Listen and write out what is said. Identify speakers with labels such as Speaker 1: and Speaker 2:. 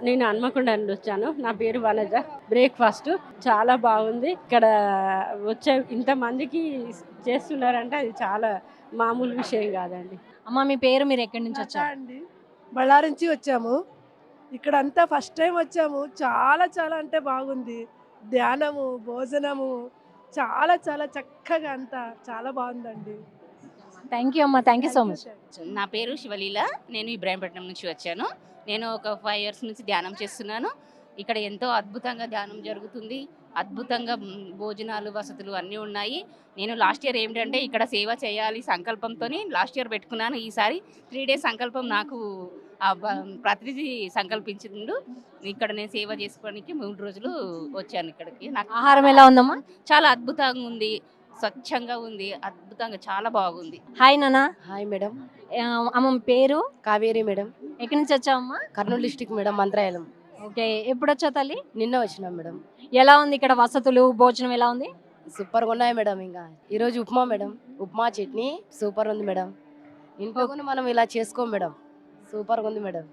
Speaker 1: నేను హన్మకొండ నుండి వచ్చాను. నా పేరు వనజ. బ్రేక్‌ఫాస్ట్ చాలా బాగుంది. ఇక్కడ వచ్చే ఇంతమందికి చేస్తున్నారంటే అది చాలా మామూలు విషయం కాదండి.
Speaker 2: అమ్మ మీ పేరు, మీరు ఎక్కడి నుంచి
Speaker 3: లతా
Speaker 2: వచ్చారు?
Speaker 3: అండి. బళ్ళారి నుంచి వచ్చాము. ఇక్కడంతా ఫస్ట్ టైం వచ్చాము. చాలా చాలా అంటే బాగుంది. ధ్యానము, భోజనము చాలా చాలా చక్కగా అంతా చాలా బాగుందండి.
Speaker 2: థ్యాంక్ యూ అమ్మ, థ్యాంక్ యూ సో మచ్.
Speaker 4: నా పేరు శివలీల. నేను ఇబ్రాహీంపట్నం నుంచి వచ్చాను. నేను ఒక 5 ఇయర్స్ నుంచి ధ్యానం చేస్తున్నాను. ఇక్కడ ఎంతో అద్భుతంగా ధ్యానం జరుగుతుంది. అద్భుతంగా భోజనాలు, వసతులు అన్నీ ఉన్నాయి. నేను లాస్ట్ ఇయర్ ఏంటంటే ఇక్కడ సేవ చేయాలి సంకల్పంతోని లాస్ట్ ఇయర్ పెట్టుకున్నాను. ఈసారి 3 డేస్ సంకల్పం నాకు ప్రతినిధి సంకల్పించిండు. ఇక్కడ నేను సేవ చేసుకోవడానికి 3 రోజులు వచ్చాను ఇక్కడికి. నాకు
Speaker 2: ఆహారం ఎలా ఉందమ్మా?
Speaker 4: చాలా అద్భుతంగా ఉంది. స్వచ్ఛంగా ఉంది. అద్భుతంగా చాలా బాగుంది.
Speaker 2: హాయ్ నాన్న.
Speaker 5: Hi madam.
Speaker 2: అమ్మ మీ పేరు?
Speaker 5: కావేరి మేడం.
Speaker 2: ఎక్కడి నుంచి వచ్చావమ్మా?
Speaker 5: Kurnool district madam, Mantralayam.
Speaker 2: Okay, ఎప్పుడు వచ్చావు తల్లి?
Speaker 5: నిన్న వచ్చినాం మేడం.
Speaker 2: ఎలా ఉంది ఇక్కడ వసతులు, భోజనం ఎలా ఉంది?
Speaker 5: సూపర్గా ఉన్నాయి మేడం. ఇంకా ఈరోజు ఉప్మా మేడం, ఉప్మా చట్నీ సూపర్ ఉంది మేడం. ఇంట్లో కూడా మనం ఇలా చేసుకోం మేడం, సూపర్గా ఉంది మేడం.